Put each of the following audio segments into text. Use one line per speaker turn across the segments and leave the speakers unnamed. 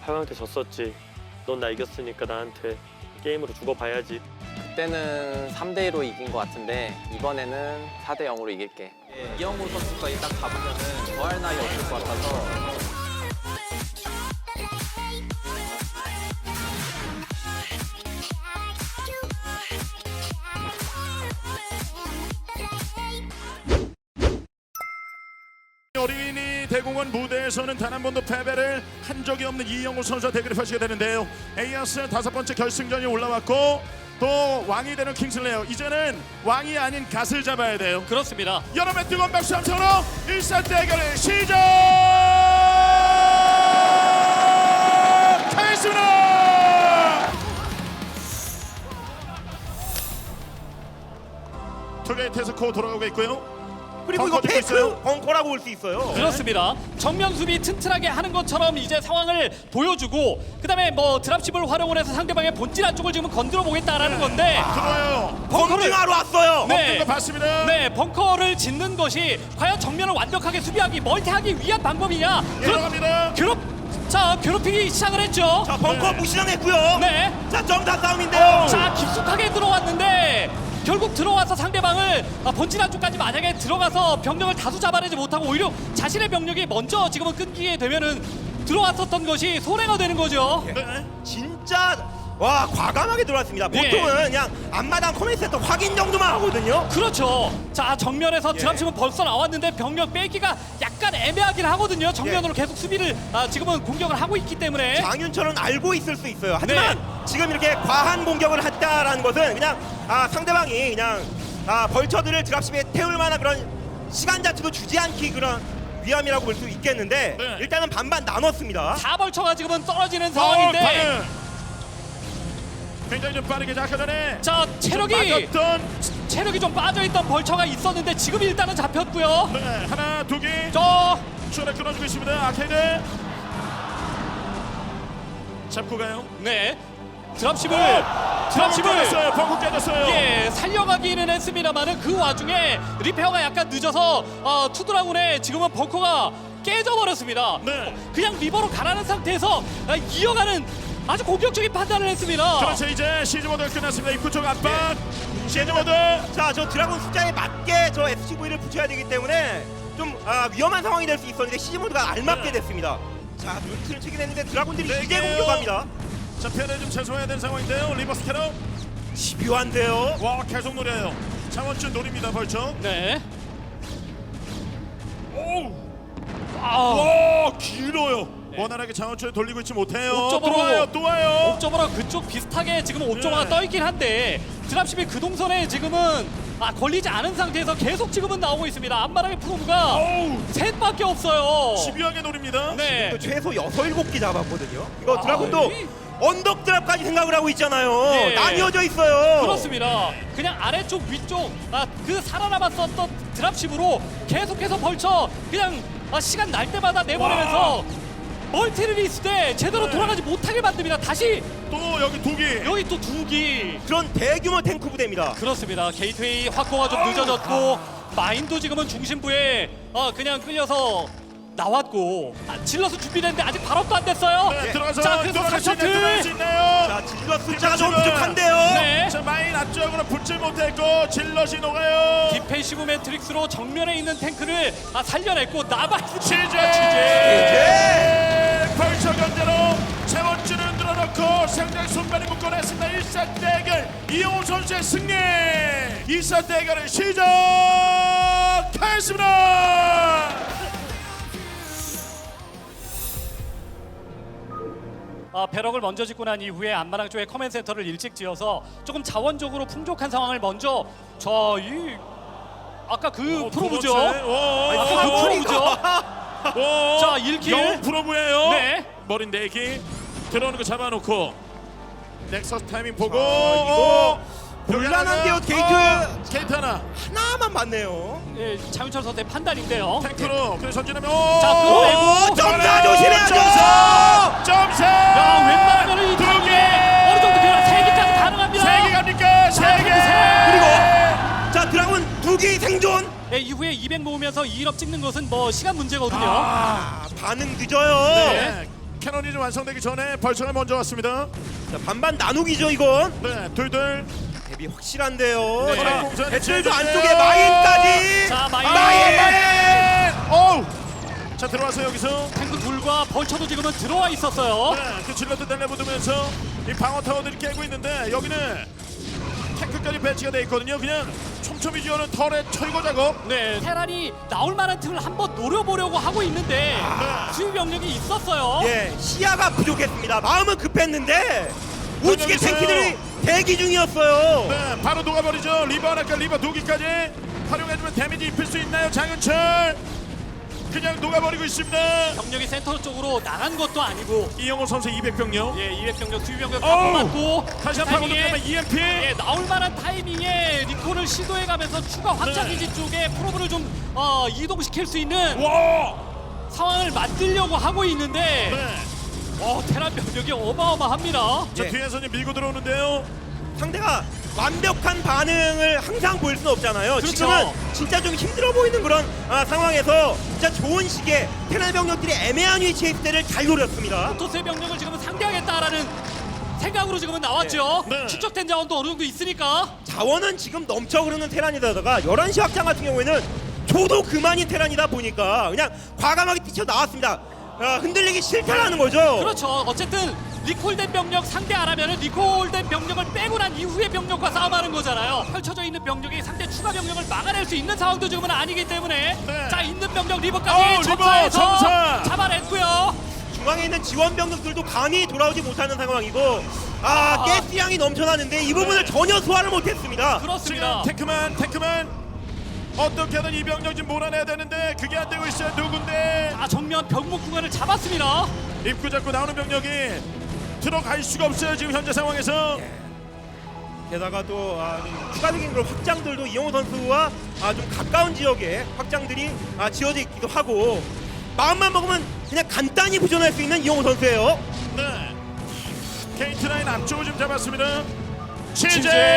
8강 때 졌었지. 넌 나 이겼으니까 나한테 게임으로 죽어봐야지.
그때는 3대2로 이긴 것 같은데 이번에는 4대0으로 이길게.
이영호 선수가 일단 가보면은 더할 나위 없을 것 같아서
어린이 대공원 무대에서는 단 한 번도 패배를 한 적이 없는 이영호 선수와 대결을 펼치게 되는데요. 에이아스 5번째 결승전이 올라왔고 또 왕이 되는 킹슬레어, 이제는 왕이 아닌 갓을 잡아야 돼요.
그렇습니다.
여러분의 뜨거운 박수 함성으로 1사 대결을 시작하겠습니다. 투게이트에서 코어 돌아가고 있고요.
그리고 이거
벙커
페이크
있어요?
벙커라고 볼 수 있어요.
그렇습니다. 정면 수비 튼튼하게 하는 것처럼 이제 상황을 보여주고 그다음에 뭐 드랍십을 활용을 해서 상대방의 본질 안쪽을 지금 건드려 보겠다라는 건데
들어와요.
검증하러 왔어요.
네.
이거 봤습니다.
네, 벙커를 짓는 것이 과연 정면을 완벽하게 수비하기, 멀티하기 위한 방법이냐?
들어갑니다.
괴롭히기 시작을 했죠.
자 벙커
네.
무시당했고요.
네.
자 점사 싸움인데요.
자, 깊숙하게 들어왔는데 결국 들어와서 상대방을 본진 안쪽까지 만약에 들어가서 병력을 다수 잡아내지 못하고 오히려 자신의 병력이 먼저 지금은 끊기게 되면은 들어왔었던 것이 손해가 되는 거죠.
네.
진짜 와 과감하게 들어왔습니다.
예.
보통은 그냥 앞마당 커맨드 센터 확인 정도만 하거든요.
그렇죠. 자, 정면에서 드랍십은 벌써 나왔는데 병력 빼기가 약간 애매하긴 하거든요. 정면으로 계속 수비를 지금은 공격을 하고 있기 때문에.
장윤철은 알고 있을 수 있어요. 하지만 지금 이렇게 과한 공격을 했다라는 것은 그냥 상대방이 그냥 벌처들을 드랍십에 태울 만한 그런 시간 자체도 주지 않기 그런 위함이라고 볼 수 있겠는데
네.
일단은 반반 나눴습니다.
4벌처가 지금은 떨어지는 상황인데
과연 굉장히 좀 빠르게 아까 전에
자, 체력이 좀 빠져있던 벌처가 있었는데 지금 일단은 잡혔고요.
네, 하나 두 개.
저
추월에 끊어주고 있습니다. 아케이드 잡고 가요.
네, 드랍십을
깨졌어요. 벙커 깨졌어요.
예, 살려가기는 했습니다만은 그 와중에 리페어가 약간 늦어서 투드라군의 지금은 벙커가 깨져버렸습니다.
네.
그냥 리버로 가라는 상태에서 이어가는 아주 공격적인 판단을 했습니다.
그렇죠. 이제 시즈 모드가 끝났습니다. 입구 쪽 압박. 시즈 모드.
자, 저 드라곤 숫자에 맞게 저 SCV를 붙여야 되기 때문에 좀 위험한 상황이 될 수 있었는데 시즈 모드가 알맞게 됐습니다. 자, 눈치를 채긴 했는데 드라곤들이
네
이제
개요.
공격합니다.
자, 피해를 좀 최소화해야 되는 상황인데요. 리버스 캐럿.
집요한데요.
와, 계속 노려요. 창원준 노립니다. 벌써.
네.
오.
아,
와, 길어요. 원활하게 장원철 돌리고 있지 못해요.
옥점으로.
또 와요. 또 와요.
옵저버랑 그쪽 비슷하게 지금 옵저버가
네.
떠있긴 한데 드랍십이 그 동선에 지금은 걸리지 않은 상태에서 계속 지금은 나오고 있습니다. 앞마당의 프로브가
어우,
셋밖에 없어요.
집요하게 노립니다.
네.
또 최소 6, 7개 잡았거든요. 이거 드라곤도
이-
언덕 드랍까지 생각을 하고 있잖아요.
예.
나뉘어져 있어요.
그렇습니다. 그냥 아래쪽 위쪽 그 살아남았었던 드랍십으로 계속해서 벌쳐 그냥 시간 날 때마다 내보내면서 멀티를 있을 때 제대로
네.
돌아가지 못하게 만듭니다. 다시
또 여기 두 개.
여기 또 두 기.
그런 대규모 탱크 부대입니다.
그렇습니다. 게이트웨이 확보가 좀 늦어졌고 마인도 지금은 중심부에 그냥 끌려서 나왔고 질러서 준비됐는데 아직 발업도 안 됐어요.
네, 들어가서
자, 그래서
들어갈 수 있나요?
3셔틀.
자, 질럿 숫자가 좀
지금.
부족한데요.
네.
자, 마인 앞쪽으로 붙지 못했고 질럿이 녹아요.
디펜시브 매트릭스로 정면에 있는 탱크를 살려냈고 나바이스
치즈.
예.
벌처 견제로 세번째를 흔들어놓고 상대 손발이 묶어냈습니다. 1사 대결 이용호 선수의 승리. 2사 대결을 시작하겠습니다.
배럭을 먼저 짓고 난 이후에 안마랑 쪽에 커맨 센터를 일찍 지어서 조금 자원적으로 풍족한 상황을 먼저 아까 그 프로브죠. 아까 그 프로브죠. 자, 1킬.
영웅 프로브예요.
네.
머리 4개 들어오는 거 잡아놓고 넥서스 타이밍 보고
이거 곤란한데요,
게이트 하나
하나만 맞네요.
예, 장윤철 선수의 판단인데요.
탱크로 그래서 전진하면
자, 끌어내고
점사 조심해야죠.
점사.
야, 웬만하면 이
두
타이밍에
개.
어느 정도 변화 3개까지 가능합니다.
3개 갑니까? 3개.
그리고 자, 드라곤 2개 생존.
네, 이후에 200 모으면서 2일업 찍는 것은 뭐 시간 문제거든요.
반응 늦어요.
네.
캐논이 좀 완성되기 전에 벌처가 먼저 왔습니다.
자, 반반 나누기죠 이건.
네, 둘둘.
대비 확실한데요.
네.
자,
공사는
배틀도
제재.
안쪽에 마인까지.
자, 마인.
어우. 자, 들어와서 여기서
탱크 둘과 벌처도 지금은 들어와 있었어요.
네, 그 질럿도 달려붙으면서 이 방어 타워들이 깨고 있는데 여기는 탱크까지 배치가 돼 있거든요. 그냥 촘촘히 지어는 털의 철거 작업.
네, 테란이 나올 만한 틈을 한번 노려보려고 하고 있는데 수비 병력이 있었어요.
예, 시야가 부족했습니다. 마음은 급했는데 우측에
있어요.
탱키들이 대기 중이었어요.
네, 바로 녹아버리죠. 리버 하나까 리버 두 개까지 활용해주면 데미지 입힐 수 있나요, 장윤철? 그냥 녹아버리고 있습니다.
병력이 센터 쪽으로 나간 것도 아니고
이영호 선수 200병력.
예, 200병력, 수비 병력 다
어우!
뽑았고
다시 한번
타이밍에
파고들면 EMP.
예, 나올 만한 타이밍에 리콜을 시도해가면서 추가 확장기지 쪽에 프로브를 좀 이동시킬 수 있는
와.
상황을 만들려고 하고 있는데
네.
테란 병력이 어마어마합니다.
자,
예.
뒤에서 이제 밀고 들어오는데요.
상대가 완벽한 반응을 항상 보일 수는 없잖아요.
그렇죠.
지금은 진짜 좀 힘들어 보이는 그런 상황에서 진짜 좋은 시기에 테란 병력들이 애매한 위치에 있을 때를 잘 노렸습니다.
토스의 병력을 지금은 상대하겠다라는 생각으로 지금은 나왔죠.
네. 네.
축적된 자원도 어느 정도 있으니까.
자원은 지금 넘쳐 흐르는 테란이다가 11시 확장 같은 경우에는 줘도 그만인 테란이다 보니까 그냥 과감하게 뛰쳐나왔습니다. 흔들리기 싫다라는 거죠.
그렇죠. 어쨌든 리콜된 병력 상대 안 하면은 리콜된 병력을 빼고 난 이후의 병력과 싸움하는 거잖아요. 펼쳐져 있는 병력이 상대 추가 병력을 막아낼 수 있는 상황도 지금은 아니기 때문에
네.
자, 있는 병력 리버까지
리버
점사해서
점사.
잡아냈고요.
중앙에 있는 지원 병력들도 감히 돌아오지 못하는 상황이고 가스량이 넘쳐나는데 이 부분을 전혀 소화를 못했습니다.
지금
그렇습니다.
테크만 어떻게든 이 병력 좀 몰아내야 되는데 그게 안 되고 있어요. 누군데?
정면 병목 구간을 잡았습니다.
입구 잡고 나오는 병력이 들어갈 수가 없어요. 지금 현재 상황에서.
게다가 또 좀 추가적인 그런 확장들도 이영호 선수와 좀 가까운 지역에 확장들이 지어져 있기도 하고 마음만 먹으면 그냥 간단히 부전할 수 있는 이영호 선수예요.
네. 게이트 라인 앞쪽을 좀 잡았습니다.
취재!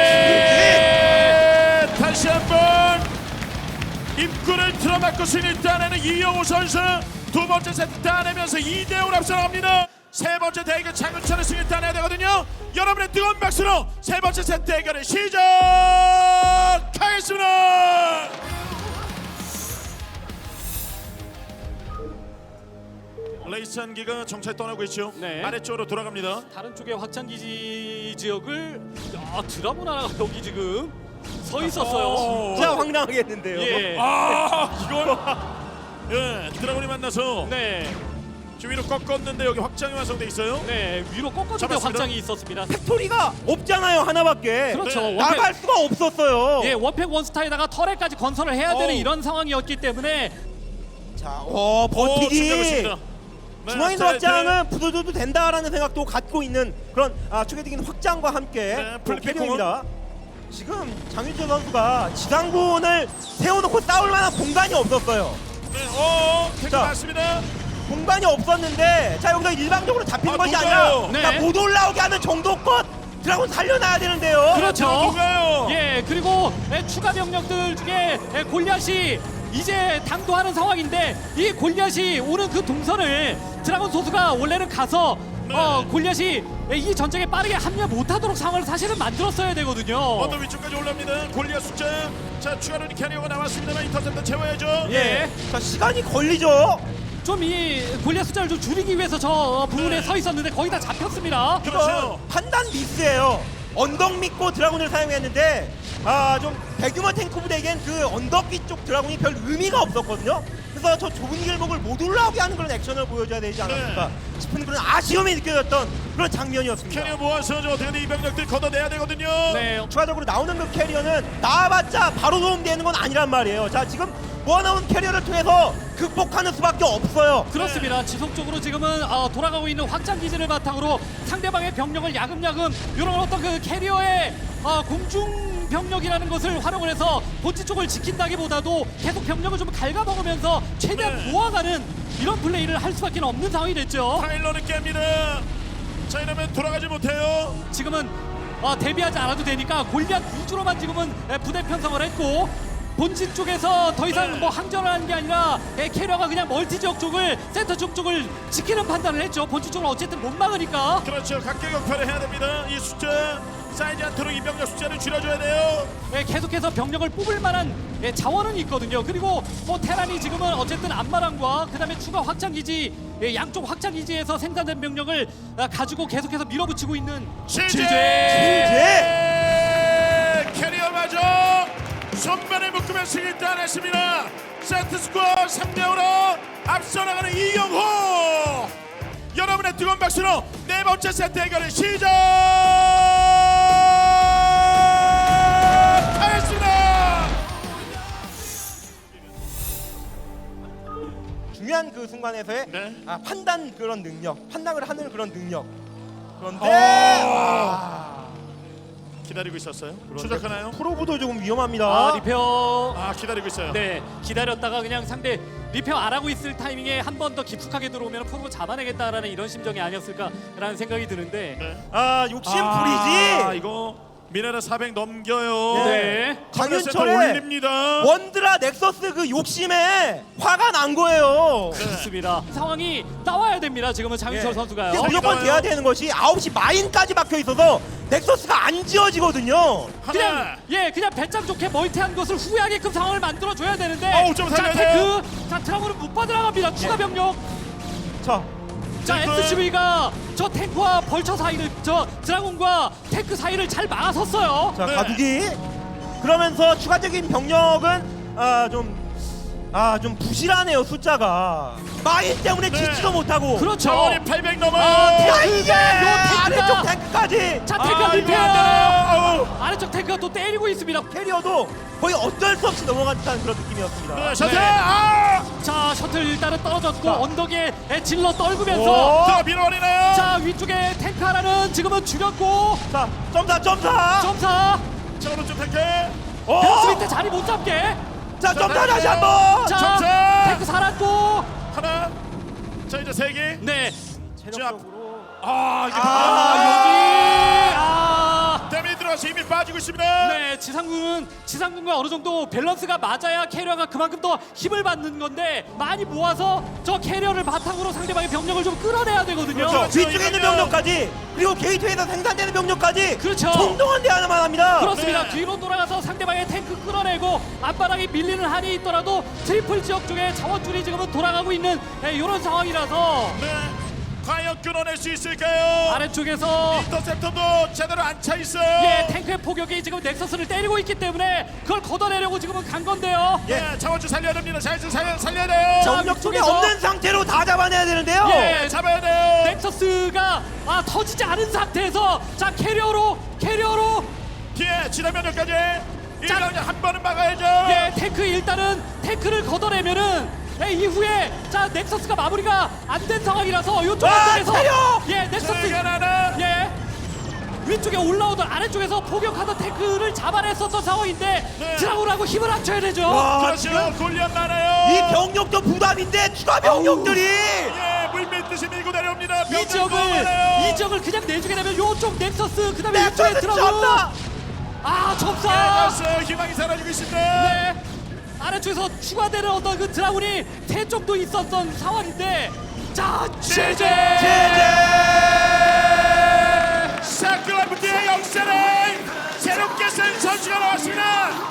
취재! 다시 한번 입구를 틀어막고 승리를 따내는 이영호 선수. 두 번째 세트 따내면서 2대5로 앞서갑니다. 세 번째 대결 장윤철의 승리를 따내야 되거든요. 여러분의 뜨거운 박수로 세 번째 세트 대결을 시작하겠습니다. 레이스 한기가 정찰 떠나고 있죠.
네.
아래쪽으로 돌아갑니다.
다른 쪽의 확장기지 지역을 드라군 하나가 여기 지금 서 있었어요.
진짜 황당하겠는데요.
예.
이걸 예, 드라곤이 만나서
네.
지금 위로 꺾었는데 여기 확장이 완성돼 있어요.
네, 위로 꺾어주는
잡았습니다.
확장이 있었습니다.
팩토리가 없잖아요, 하나밖에.
그렇죠.
네.
나갈 수가 없었어요.
예, 원팩 원스타에다가 터렛까지 건설을 해야 되는
어우.
이런 상황이었기 때문에
자,
오,
버티기.
준비하고 네,
중앙인
자,
확장은 부숴줘도 된다라는 생각도 갖고 있는 그런 추가적인 확장과 함께
네,
또
플리피
캐리어입니다. 지금 장윤철 선수가 지상군을 세워놓고 싸울 만한 공간이 없었어요.
네, 태그
자.
맞습니다.
공간이 없었는데 자 여기서 일방적으로 잡히는 것이
누가요?
아니라
네.
못 올라오게 하는 정도껏 드라곤 살려놔야 되는데요.
그렇죠.
누가요?
예, 그리고 추가 병력들 중에 골리앗이 이제 당도하는 상황인데 이 골리앗이 오는 그 동선을 드라곤 소수가 원래는 가서
네.
골리앗이 이 전쟁에 빠르게 합류 못하도록 상황을 사실은 만들었어야 되거든요.
언더 위쪽까지 올라옵니다. 골리앗 숫자. 자, 추가로 캐리어가 나왔습니다만 인터셉터 채워야죠.
예,
자 시간이 걸리죠.
좀 이 골리앗 숫자를 좀 줄이기 위해서 저 부분에
네.
서 있었는데 거의 다 잡혔습니다.
그렇죠.
이건 판단 미스예요. 언덕 믿고 드라군을 사용했는데 좀 대규모 탱크 부대에겐 그 언덕 뒤쪽 드라군이 별 의미가 없었거든요. 그래서 저 좁은 길목을 못 올라오게 하는 그런 액션을 보여줘야 되지 않았을까 싶은 그런 아쉬움이 느껴졌던 그런 장면이었습니다.
캐리어 모아서 저 어떻게든 이 병력들 걷어내야 되거든요.
네,
추가적으로 나오는 그 캐리어는 나와봤자 바로 도움되는 건 아니란 말이에요. 자 지금 모아나온 캐리어를 통해서 극복하는 수밖에 없어요.
그렇습니다. 지속적으로 지금은 돌아가고 있는 확장 기지를 바탕으로 상대방의 병력을 야금야금 이런 어떤 그 캐리어의 공중 병력이라는 것을 활용을 해서 본진 쪽을 지킨다기보다도 계속 병력을 좀 갉아먹으면서 최대한
네.
모아가는 이런 플레이를 할 수밖에 없는 상황이 됐죠.
파일럿을 깹니다. 자, 이러면 돌아가지 못해요.
지금은 대비하지 않아도 되니까 골리앗 위주로만 지금은 부대 편성을 했고 본진 쪽에서 더 이상
네.
뭐 항전을 하는 게 아니라 캐리어가 그냥 멀티 지역 쪽을 센터 쪽을 지키는 판단을 했죠. 본진 쪽은 어쨌든 못 막으니까.
그렇죠. 각계격파를 해야 됩니다. 이 숫자 쌓이지 않도록 이 병력 숫자를 줄여줘야 돼요.
계속해서 병력을 뽑을 만한 자원은 있거든요. 그리고 뭐 테란이 지금은 어쨌든 안마랑과 그다음에 추가 확장 기지 양쪽 확장 기지에서 생산된 병력을 가지고 계속해서 밀어붙이고 있는
실제 캐리어마저 손만에 묶으면 승리 따냈습니다. 세트스코어 3대5로 앞서 나가는 이영호. 여러분의 뜨거운 박수로 네 번째 세트 해결을 시작하겠습니다.
중요한 그 순간에서의
네.
판단 그런 능력, 판단을 하는 그런 능력. 그런데
기다리고 있었어요. 추적하나요?
프로브도 조금 위험합니다.
아 리페어
기다리고 있어요.
네 기다렸다가 그냥 상대 리페어 안 하고 있을 타이밍에 한 번 더 깊숙하게 들어오면 프로 잡아내겠다라는 이런 심정이 아니었을까라는 생각이 드는데
네.
욕심 부리지.
이거 미네랄 400 넘겨요.
네.
장윤철의
올립니다.
원드라 넥서스 그 욕심에 화가 난 거예요.
그렇습니다. 상황이 나와야 됩니다. 지금은 장윤철
예.
선수가요.
이게 무조건 돼야 되는 것이 9시 마인까지 막혀 있어서 넥서스가 안 지어지거든요.
그냥 그냥 배짱 좋게 멀티한 것을 후회하게끔 상황을 만들어 줘야 되는데.
어우, 좀
자
살려야
테크, 자 트라우는 못 빠져나갑니다. 추가 병력.
자,
자 SCV가 저 탱크와 벌처 사이를 저 드라곤과 탱크 사이를 잘 막아섰어요.
자
네.
가두기. 그러면서 추가적인 병력은 좀 부실하네요 숫자가. 마인 때문에
네.
짓지도 못하고.
그렇죠.
자원이 800 넘어.
야 이게
탱크가-
아래쪽 탱크까지.
자 탱크가
이거
리페어.
안 돼요.
아래쪽 탱크가 또 때리고 있습니다.
캐리어도 거의 어쩔 수 없이 넘어간 듯한 그런 느낌이었습니다.
네, 셔틀.
네. 자 셔틀 일단은 떨어졌고
자.
언덕에 질러 떨구면서
자, 밀어버리나요?
자 위쪽에 탱크 하나는 지금은 줄였고
자, 점사.
점사
자, 오른쪽 탱크.
베어스 밑에 자리 못 잡게.
자, 점사
네.
다시 한번.
자
점사.
탱크 살았고
하나. 자, 이제 3개.
네.
체력적으로.
이게 데미 들어와서 이미 빠지고 있습니다.
네, 지상군과 어느 정도 밸런스가 맞아야 캐리어가 그만큼 더 힘을 받는 건데 많이 모아서 저 캐리어를 바탕으로 상대방의 병력을 좀 끌어내야 되거든요.
그렇죠.
위쪽에 있는 병력까지 그리고 게이트웨이에서 생산되는 병력까지
그렇죠.
총동원 대하나만 합니다.
그렇습니다.
네.
뒤로 돌아가서 상대방의 탱크 끌어내고 앞바닥이 밀리는 한이 있더라도 트리플 지역 쪽에 자원줄이 지금은 돌아가고 있는 이런 상황이라서
네. 과연 끊어낼 수 있을까요?
아래쪽에서
인터셉터도 제대로 안 차 있어요.
탱크의 포격이 지금 넥서스를 때리고 있기 때문에 그걸 걷어내려고 지금은 간 건데요.
네, 자원줄 살려야 됩니다. 자원줄 살려야 돼요.
자,
병력 쪽에
위쪽에서-
없는 상태로 다 잡아내야 되는데요.
예,
잡아야 돼요.
넥서스가 터지지 않은 상태에서 자 캐리어로
뒤에 지나면역까지
자.
한 번은 막아야죠.
탱크 일단은 탱크를 걷어내면은 이후에 자 넥서스가 마무리가 안 된 상황이라서 이쪽 안쪽에서
차려!
넥서스
하나.
위쪽에 올라오던 아래쪽에서 포격하던 탱크를 잡아냈었던 상황인데
네.
드라곤하고 힘을 합쳐야 되죠.
와, 지금
그렇죠. 골리앗 많아요.
이 병력도 부담인데 추가 병력들이
물밀듯이 밀고 내려옵니다.
이 지역을 그냥 내주게 되면 요쪽 넥서스 그다음에
넥서스
이쪽에 드라곤
잡다.
점사.
희망이 사라지고 있습니다.
네. 아래쪽에서 추가되는 어떤 그 드라군이 세 쪽도 있었던 상황인데 자 제재
사클라프트의 역사를 새롭게 쓴 선수가 나왔습니다.